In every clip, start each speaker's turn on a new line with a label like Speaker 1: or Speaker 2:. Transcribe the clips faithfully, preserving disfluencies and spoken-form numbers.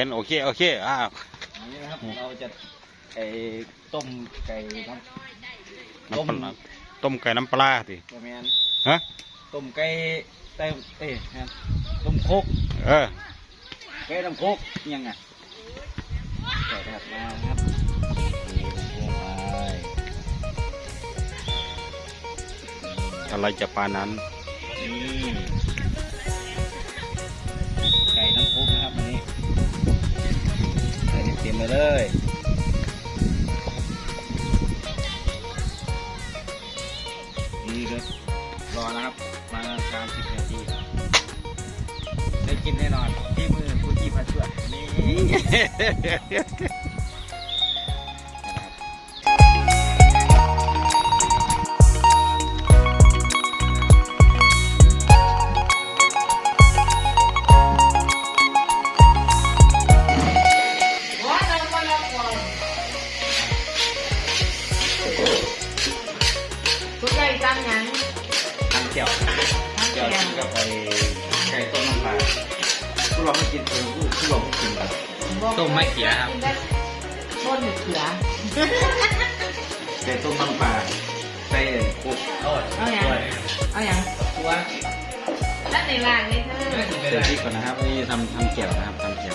Speaker 1: นโอเคโอเคอ่า
Speaker 2: นี่นะครับเราจะไอ้ต้มไก่น้ำต้ม
Speaker 1: ต้มไก่น้ำปลาสิ
Speaker 2: ประมาณ
Speaker 1: ฮะ
Speaker 2: ต้มไก่เต้เต้ต้มโคก
Speaker 1: เออ
Speaker 2: ไก่ต้มโคกยังไงใส่ถัดมาครับนี่ต้มโคกไป
Speaker 1: อะไรจะปานั้น
Speaker 2: นี่ไก่น้ำโคกนะครับอันนี้ใส่เต็มไปเลยนี่เลยรอนะครับมาสามสิบนาทีได้กินแน่นอนที่มือผู้ที่พาช่วยนี่
Speaker 3: ทุกไก่ตั้งยัง
Speaker 2: ทำเจียวเจียวกินกับไปไก่ต้มน้ำปลาผู้ลองไม่กินเออผู้ลองไม่กินแบบต้มไม่เขียครับ
Speaker 3: ต้นเขีย
Speaker 2: ไก่ต้มน้ำปลาใส่คุกเอา
Speaker 3: อย่างเอาอย่าง
Speaker 2: ตัว
Speaker 3: แล้วในร้านนี่เธอ
Speaker 2: เดี๋ยวพี่ก่อนนะครับนี่ทำทำเจียวนะครับทำเจียว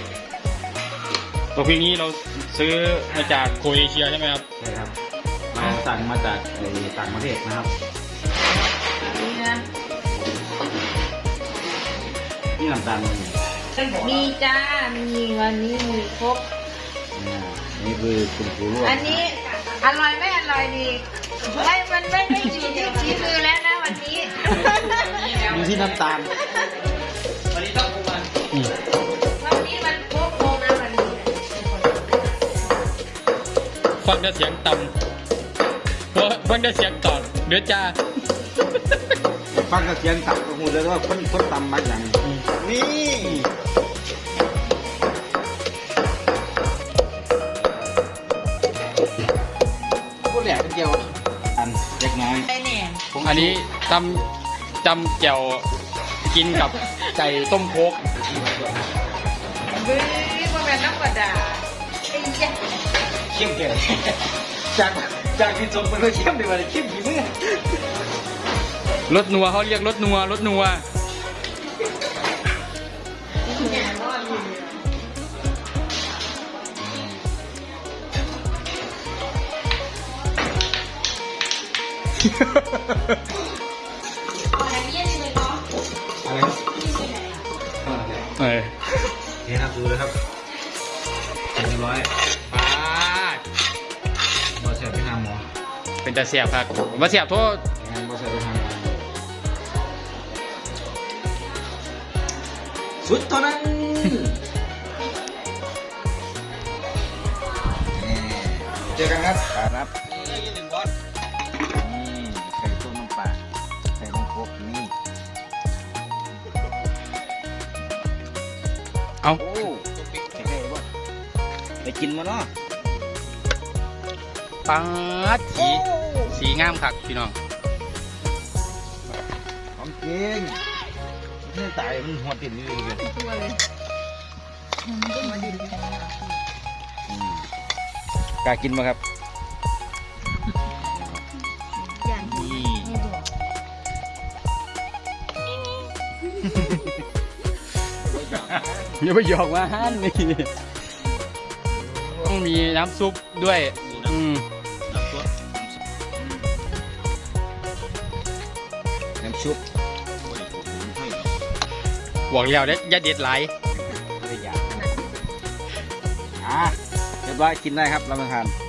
Speaker 1: ตัวพริกนี้เราซื้อมาจากโครเอเชียใช่ไหมครับ
Speaker 2: ใช่ครับมาสั่งมาจากต่างประเทศนะครับ
Speaker 3: นี่นะ
Speaker 2: นี่น้ำตาล
Speaker 3: มีจ้ามีวันนี้มีครบ
Speaker 2: นี่คือคุณครูร่วม
Speaker 3: อันนี้อร่อยไม่อร่อยดีไม่มันไม่ได้อยู่ที่ฝีมือแล้วนะวันนี้
Speaker 2: อยู่ที่น้ำตาล
Speaker 1: วันนี้ต้องคุมัน
Speaker 3: วันนี้มันโค้งนะวันนี้
Speaker 1: ฟังได้เสียงต่ำฟังได้เสียงตอดเดือดจ้า
Speaker 2: ฟังเสียงต่ำก็หูเลยว่าคนคนต่ำมาอย่างนี่พวกแหลกเป็นเจียวอันเล็กน้อย
Speaker 1: อันนี้จำจำแจ่วกินกับไก่ต้มโคก
Speaker 3: บื้อว่าแบบน้ำกระดาษไอ้เจ้า
Speaker 2: เข้มเกินจากจากที่จมมันก็เข้มดีกว่าเข้มกี่มื้อ
Speaker 1: รสนัวเขาเรียกรสนัวรสนัว
Speaker 3: อะไรเนี่ยเลยเนาะ
Speaker 2: อะไร
Speaker 1: เออ
Speaker 2: นี่ครับดูเลยครับเรียบร้อย
Speaker 1: ปาด
Speaker 2: บอเสียไปหาหมอ
Speaker 1: เป็นแต่เสียบครับมาเสียบโทษ
Speaker 2: บอเสียไปหาหมอสุดเท่านั้นเจอกันครับครับนี่ไข่ต้มน้ำปลาใส่น้ำโคกนี่
Speaker 1: เอา
Speaker 2: โอ้ใส่ไข่บ่ไปกินมาเนาะ
Speaker 1: ปังสีสีงามคักพี่น้อง
Speaker 2: ของจริงนี่ตายมันหัวติ่นนี่เลยตัวเลยกล้ากินไหมครับ
Speaker 1: นี่อย่าไปหยอกว่าฮั่นนี่ต้องมีน้ำซุปด้วยอืม
Speaker 2: น้ำซุป
Speaker 1: บอกแล้วเด็ดยัดเด็ดไหล
Speaker 2: อ่ะเรียบร้อยกินได้ครับรับประทาน